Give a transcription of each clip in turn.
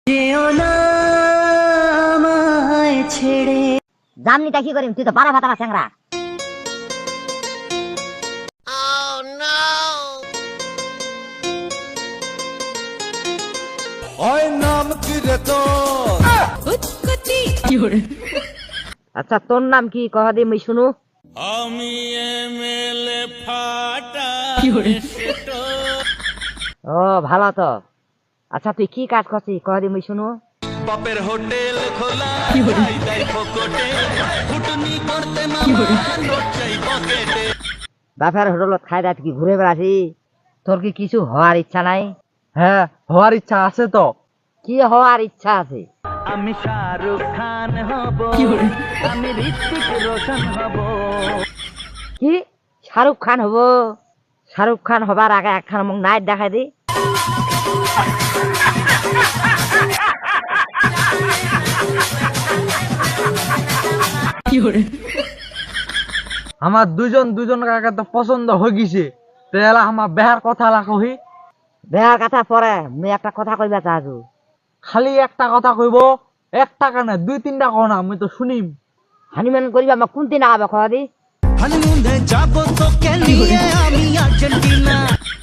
জামনিটা কি করিম, তুই তো বারা ভাতা চ্যাংরা। আচ্ছা তোর নাম কি কহ দি মুই শুনু। আমি এমএলএ ফাটা ও ভালো তো। আচ্ছা তুই কি কাজ করছিস কহ দি মুই শুনু। বাপের হোটেল খোলা খাই দাই ফকটে ফুটনি করতে মামা নোট চাই পকেটে। বাপের হোটেলত খাই দাই কি ঘুরে বেড়াছি? তোর কি কিছু হওয়ার ইচ্ছা নাই? হ্যাঁ, হওয়ার ইচ্ছা আছে তো। কি হওয়ার ইচ্ছা আছে? আমি শাহরুখ খান হব, আমি ঋত্বিক রোশন হব। কি শাহরুখ খান হব? শাহরুখ খান হবার আগে একখান মুখ নাইট দেখাই দি। আমার দুজন কাকা তো পছন্দ হয়ে গেছে, তাহলে আমার বেহার কথা কহি। বেহার কথা পরে মুই একটা কথা কইবা চাইছু। খালি একটা কথা কইব, একটা কানে দুই তিনটা কও না, আমি তো শুনিম। হানিমুন করিবা আমার কোন দিন আবে কহ দি। হানিমুনে যাব তোকে নিয়ে আমি আর্জেন্টিনা।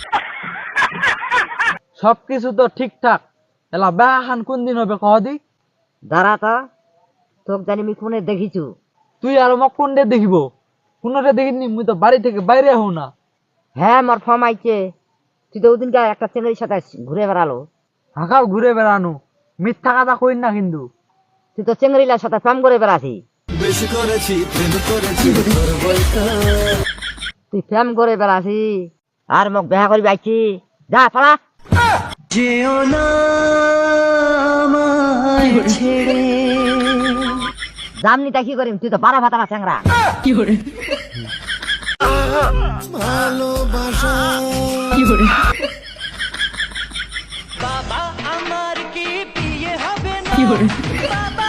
সবকিছু তো ঠিকঠাক, এলা বেহা খান কোন দিন হবে কহ দি। দাঁড়া তো, তোক জানি আমি কোনে দেখিছু। তুই আর মোক কোনটা দেখিব? কোনটা দেখিনি, মুই তো বাড়ি থেকে বাইরে হও না। হ্যাঁ মোর ফর্ম আইছে। তুই তো ওদিনকে একটা ছেলের সাথে ঘুরে বেড়ালো। হাঁকাও ঘুরে বেড়ানো, মিথ্যা কথা কইন না কিন্তু। তুই তো চেঙ্গরিলার সাথে প্রেম করে বেড়াছি। বেশি করেছি প্রেম করেছি করবই তো। তুই প্রেম করে বেড়াছি আর মোক বেহা করি আইছি। যা পালা। যেও না আমায় ছেড়ে। জামনিটা কি করিম, তুই তো বারা ভাতা চ্যাংরা। ভালোবাসা বাবা আমার কি বিয়ে হবে না? বাবা